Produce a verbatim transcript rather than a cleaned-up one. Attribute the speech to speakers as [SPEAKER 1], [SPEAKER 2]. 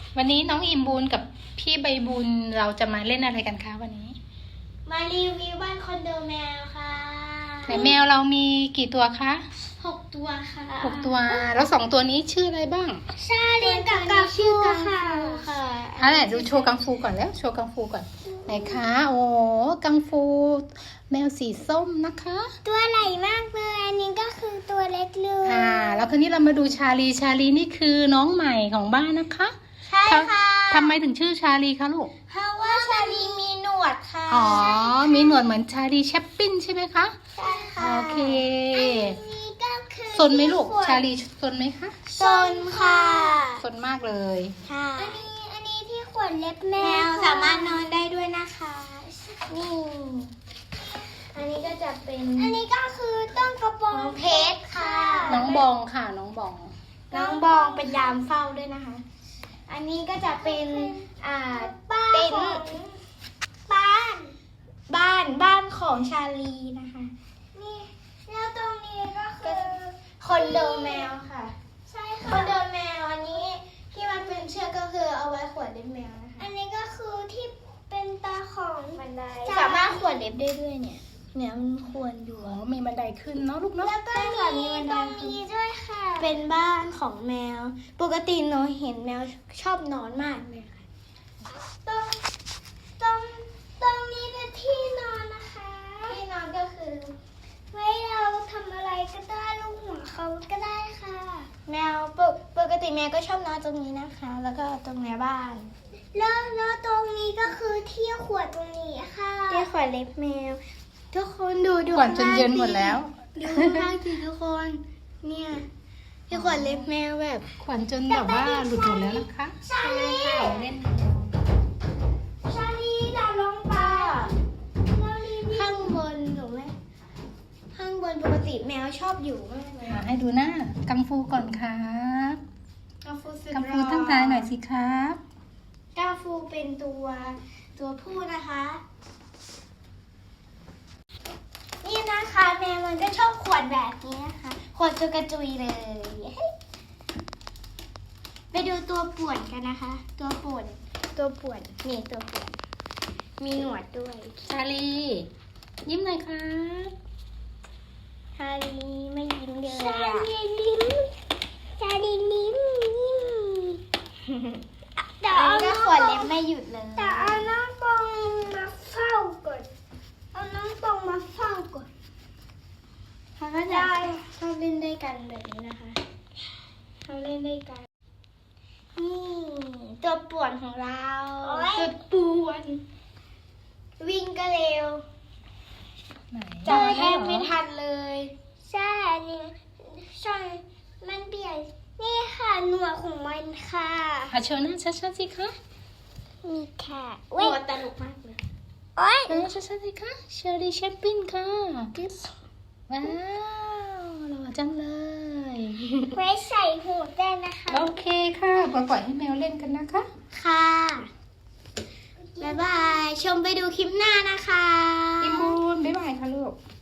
[SPEAKER 1] วันนี้น้องอิมบูนกับพี่ใบบุญเราจะมาเล่นอะไรกันคะวันนี้
[SPEAKER 2] มารีวิวบ้านคอนโดแมวค่ะ
[SPEAKER 1] แต่แมวเรามีกี่ตัวคะ
[SPEAKER 2] หกตัวค่ะ
[SPEAKER 1] หกตัวแล้วสองตัวนี้ชื่ออะไรบ้าง
[SPEAKER 2] ชาลีกับกังฟูค่ะค่ะ
[SPEAKER 1] อะไรดูโชว์กังฟูก่อนแล้วโชว์กังฟูก่อนไหนคะโอ้กังฟูแมวสีส้มนะคะ
[SPEAKER 2] ตัวใหญ่มากเลยอันนี้ก็คือตัวเล็กเลย
[SPEAKER 1] อ่าแล้วคืนนี้เรามาดูชาลีชาลีนี่คือน้องใหม่ของบ้านนะคะ
[SPEAKER 2] ใช่ค่ะ
[SPEAKER 1] ทำไมถึงชื่อชาลีคะลูก
[SPEAKER 2] เพราะว่าชาลีมีหนวดค่ะ
[SPEAKER 1] อ๋อมีหนวดเหมือนชาลีแชปปิ้นใช่ไหมคะ
[SPEAKER 2] ใช่ค่ะ
[SPEAKER 1] โอเค
[SPEAKER 2] อันนี้ก็คือ
[SPEAKER 1] ซนไหมลูกชาลีซนไหมคะ
[SPEAKER 2] ซนค่ะ
[SPEAKER 1] ซนมากเลย
[SPEAKER 2] ค่ะอันนี้อันนี้ที่ขนเล็บแมวสามารถนอนได้ด้วยนะคะนี่อันนี้ก็จะเป็นอันนี้ก็คือต้นกระบองเพชรค่ะ
[SPEAKER 1] น้องบองค่ะน้องบอง
[SPEAKER 2] น้องบองเป็นยามเฝ้าด้วยนะคะอันนี้ก็จะเป็นอ่าเป็นบ้านบ้านบ้านของชาลีนะคะนี่แล้วตรงนี้ก็คือคอนโดแมวค่ะใช่ค่ะคอนโดแมวอันนี้ที่มันเป็นเชือกก็คือเอาไว้ขวนเล็บแมวนะคะอันนี้ก็คือที่เป็นตาของบันไดสามารถขวนเล็บได้ด้วยเนี่ยเนี่ยมันควรอยู่
[SPEAKER 1] อ๋อมีบันไดขึ้นเนาะลูกเนาะ
[SPEAKER 2] แล้วก็มีตรงนี้ด้วยค่ะเป็นบ้านของแมวปกติหนูเห็นแมวชอบนอนมากเลยค่ะตรงตรงตรงนี้เป็นที่นอนนะคะที่นอนก็คือไว้เราทำอะไรก็ได้ลูกหัวเขาก็ได้ค่ะแมวปกปกติแมวก็ชอบนอนตรงนี้นะคะ แล้วก็ตรงในบ้านแล้วแล้วตรงนี้ก็คือที่ขวดตรงนี้ค่ะที่ขวดเล็บแมวทุกคนดูดู
[SPEAKER 1] ก่อนจนเย็นหมดแล้ว
[SPEAKER 2] ดูข้างล่างสิทุกคนเนี่ยที่ขวดเล็บแมวแบบ
[SPEAKER 1] ขวัญจนแบบว่าหลุดหมดแล้วนะคะ
[SPEAKER 2] ชาลี
[SPEAKER 1] เล่น
[SPEAKER 2] ชาลีดาวลงไปข้างบนหนูไหมข้างบนปกติแมวชอบอยู่มากเลย
[SPEAKER 1] ให้ดูหน้ากังฟูก่อนครับ
[SPEAKER 2] กังฟูสุด
[SPEAKER 1] กังฟูตั้งใจหน่อยสิครับ
[SPEAKER 2] กังฟูเป็นตัวตัวผู้นะคะนี่นะคะแมวมันก็ชอบขวดแบบนี้นะคะขวดจุกระจุยเลยไปดูตัวป่วนกันนะคะ ตัวป่วนตัวป่วนนี่ตัวป่วนมีหนวดด้วย
[SPEAKER 1] ชาลียิ้มหน่อยครับ
[SPEAKER 2] ชาลีไม่ยิ้มเลยชาลียิ้มชาลียิ้มยิ้มแต่เอาน้องขวดเล็บไม่หยุดเลยแต่เอาน้องปองมาเฝ้าก่อนเอาน้องปองมาเฝ้าก่อนเขาก็จะชอบเล่นด้วยกันแบบนี้นะคะเขาเล่นด้วยกันนี่ตัวป่วนของเราตัวป่วนวิ่งก็เร็วจับแทบไม่ทันเลยใช่นี่ใช่มันเปลี่ยนนี่ค่ะหนวดของมันค่ะ
[SPEAKER 1] อาโชว์หน้าชัดๆสิคะ
[SPEAKER 2] มีค่ะหนวดตลกมากเลยโอ้ย
[SPEAKER 1] หน้าชัดๆสิคะเชอรี่แชมปินค่ะว้าวหล่อจังเลย
[SPEAKER 2] ไว้ใส่หูได้นะคะ
[SPEAKER 1] โอเคค่ะปล่อยให้แมวเล่นกันนะคะ
[SPEAKER 2] ค่ะบ๊ายบายชมไปดูคลิปหน้านะคะ
[SPEAKER 1] อิมบูนบ๊ายบายค่ะลูก